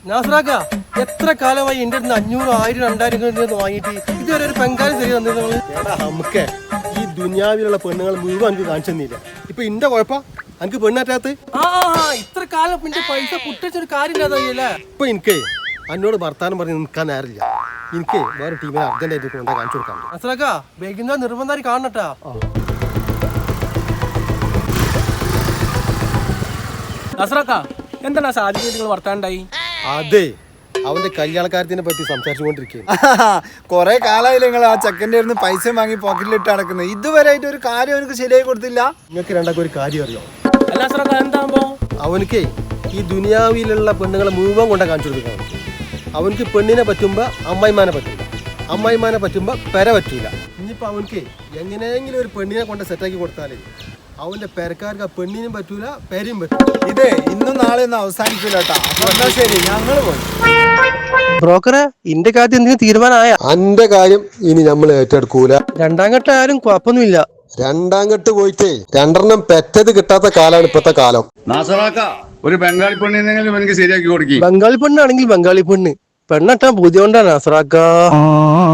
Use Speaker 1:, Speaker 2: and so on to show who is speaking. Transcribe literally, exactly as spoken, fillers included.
Speaker 1: നാസറാക്ക എത്ര കാലമായി എന്റെ അടുത്ത് അഞ്ഞൂറ് ആയിരം രണ്ടായിരം വാങ്ങിയിട്ട് ഇതുവരെ ഒരു ബംഗാളി ശരി തന്നിരുന്നു. എടാ നമുക്ക് ഈ ദുനിയാവിലുള്ള പെണ്ണുങ്ങൾ മുഴുവൻ എനിക്ക് കാണിച്ചു തന്നില്ല. ഇപ്പൊ ഇന്റെ കുഴപ്പ എനിക്ക് പെണ്ണാറ്റാത്ത ആ ഇത്ര കാലം പിന്നെ പൈസ പുട്ടിച്ചൊരു കാര്യമില്ലാതല്ലേ. ഇപ്പൊ എനിക്ക് എന്നോട് വർത്താനം പറഞ്ഞ് നിൽക്കാൻ നേരില്ല. എനിക്ക് വേറെ ടീമിനെ അർജന്റായിട്ട് കൊണ്ടാ കാണിച്ചു കൊടുക്കാൻ. നാസറാക്ക വൈകുന്നേരം നിർബന്ധമായി കാണണട്ടാ.
Speaker 2: നാസറാക്ക എന്താണ് സാധ്യത നിങ്ങൾ വർത്താനുണ്ടായി?
Speaker 1: അതെ അവന്റെ കല്യാണക്കാര്യത്തിനെ പറ്റി സംസാരിച്ചുകൊണ്ടിരിക്കുകയാണ്.
Speaker 3: കൊറേ കാലമായില്ല നിങ്ങൾ ആ ചെക്കൻ്റെ അടുത്ത് പൈസ വാങ്ങി പോക്കറ്റിലിട്ട് നടക്കുന്നത്. ഇതുവരെ ആയിട്ട് ഒരു കാര്യം അവനക്ക് ശരിയായി കൊടുത്തില്ല.
Speaker 1: നിങ്ങൾക്ക് രണ്ടാക്കും ഒരു കാര്യം അറിയോ?
Speaker 2: നാസറാക്ക എന്താകുമ്പോ
Speaker 1: അവനക്ക് ഈ ദുനിയാവിലുള്ള പെണ്ണുങ്ങളെ മുഴുവൻ കൊണ്ടാ കാണിച്ചു കൊടുക്കണം. അവനക്ക് പെണ്ണിനെ പറ്റുമ്പോ അമ്മായിമാനെ പറ്റില്ല, അമ്മായിമാനെ പറ്റുമ്പോ പെര പറ്റൂല. ഇനിയിപ്പോ അവനക്ക് എങ്ങനെയെങ്കിലും ഒരു പെണ്ണിനെ കൊണ്ട് സെറ്റാക്കി കൊടുത്താലേ അവന്റെ പെരക്കാർക്ക് ആ പെണ്ണിനും പറ്റൂല, പെരയും പറ്റൂല.
Speaker 3: ഇതേ ഇന്നും നാളെ ഒന്നും അവസാനിക്കൂല കേട്ടോ. അപ്പൊ ശരി, ഞങ്ങൾ പോയി.
Speaker 1: ബ്രോക്കറെ ഇന്റെ കാര്യം എന്തെങ്കിലും തീരുമാനമായ?
Speaker 4: അന്റെ കാര്യം ഇനി നമ്മൾ ഏറ്റെടുക്കൂല.
Speaker 1: രണ്ടാം ഘട്ടം ആരും കുഴപ്പമൊന്നുമില്ല.
Speaker 4: രണ്ടാം കെട്ട് പോയിട്ടേ രണ്ടെണ്ണം പെറ്റത് കിട്ടാത്ത കാലാണ് ഇപ്പത്തെ കാലം.
Speaker 5: നാസറാക്ക ഒരു ബംഗാളി പെണ്ണിനെങ്കിലും എനിക്ക് ശരിയാക്കി കൊടുക്കും.
Speaker 1: ബംഗാളി പെണ്ണാണെങ്കിൽ ബംഗാളി പെണ്ണ് പെണ്ണട്ടാൻ ബുദ്ധിമുട്ടാണ് നാസറാക്ക.